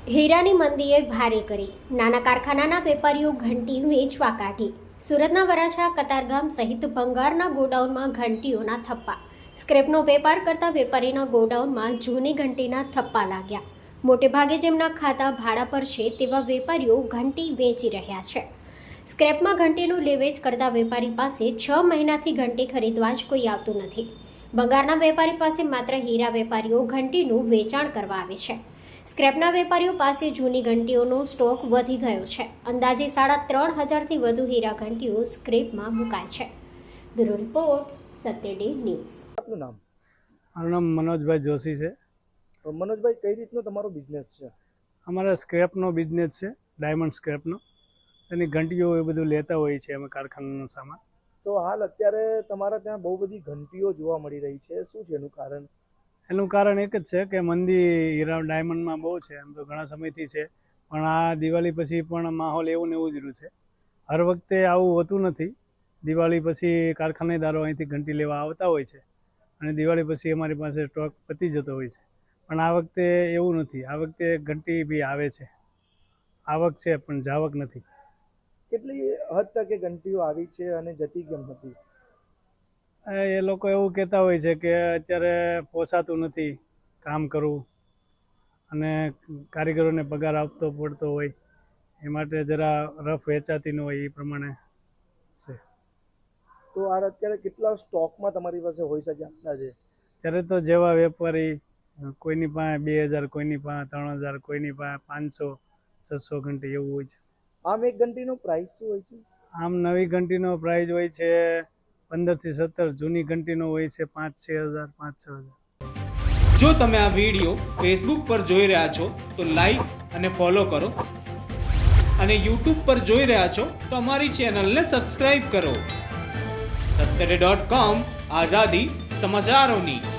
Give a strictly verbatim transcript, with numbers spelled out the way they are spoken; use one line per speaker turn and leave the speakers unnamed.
હીરાની મંદીએ ભારે કરી નાના કારખાનાના વેપારીઓ ઘંટી વેચવા કાઢી. સુરતના વરાછા કતારગામ સહિત ભંગારના ગોડાઉનમાં ઘંટીઓના થપ્પા. સ્ક્રેપનો વેપાર કરતા વેપારીના ગોડાઉનમાં જૂની ઘંટીના થપ્પા લાગ્યા. મોટેભાગે જેમના ખાતા ભાડા પર છે તેવા વેપારીઓ ઘંટી વેચી રહ્યા છે. સ્ક્રેપમાં ઘંટીનું લેવેચ કરતા વેપારી પાસે છ મહિનાથી ઘંટી ખરીદવા જ કોઈ આવતું નથી. ભંગારના વેપારી પાસે માત્ર હીરા વેપારીઓ ઘંટીનું વેચાણ કરવા આવે છે. સ્ક્રેપના વેપારીઓ પાસે જૂની ઘંટીઓનો સ્ટોક વધી ગયો છે. અંદાજે સાડા ત્રણ હજારથી વધુ હીરા ઘંટીઓ સ્ક્રેપમાં મુકાય છે. Bureau report Satya day news.
આપનું નામ?
મારું નામ મનોજભાઈ જોશી છે.
મનોજભાઈ, કઈ રીતનો તમારો બિઝનેસ છે?
અમારા સ્ક્રેપનો બિઝનેસ છે, ડાયમંડ સ્ક્રેપનો. એની ઘંટીઓ એ બધું લેતા હોઈએ છીએ અમે, કારખાનાનો સામાન.
તો હાલ અત્યારે તમારા ત્યાં બહુ બધી ઘંટીઓ જોવા મળી રહી છે, શું છે એનું કારણ?
એનું કારણ એક જ છે કે મંદી હીરા ડાયમંડમાં બહુ છે. એમ તો ઘણા સમયથી છે, પણ આ દિવાળી પછી પણ માહોલ એવું ને એવું જ રહ્યું છે. હર વખતે આવું હોતું નથી. દિવાળી પછી કારખાનેદારો અહીંથી ઘંટી લેવા આવતા હોય છે અને દિવાળી પછી અમારી પાસે સ્ટોક પતી જતો હોય છે. પણ આ વખતે એવું નથી. આ વખતે ઘંટી બી આવે છે, આવક છે પણ જાવક નથી.
કેટલી હદ તક એ ઘંટીઓ આવી છે અને જતી કેમ હતી?
એ લોકો એવું કહેતા હોય છે કે અત્યારે પોસાતું નથી કામ કરવું અને કારીગરોને પગાર આપતો પડતો હોય, એ માટે જરા રફ વેચાતી ન હોય એ પ્રમાણે છે.
તો આ અત્યારે કેટલા સ્ટોકમાં તમારી પાસે હોઈ શકે અંદાજે?
ત્યારે તો જેવા વેપારી, કોઈની પાસે બે હજાર કોઈની પાસે ત્રણ હજાર કોઈની પાસે પાંચસો છસો ઘંટી એવું હોય છે.
આમ એક ઘંટીનો પ્રાઇસ શું હોય છે?
આમ નવી ઘંટીનો પ્રાઇસ હોય છે પંદરથી સત્તર, જૂની ઘંટીનો હોય છે પાંચ છ હજાર પાંચ છ હજાર.
જો તમે આ વિડીયો ફેસબુક પર જોઈ રહ્યા છો તો લાઈક અને ફોલો કરો, અને યુટ્યુબ પર જોઈ રહ્યા છો તો અમારી ચેનલને સબસ્ક્રાઇબ કરો. સત્તર ડોટ કોમ, આઝાદી સમાચારોની.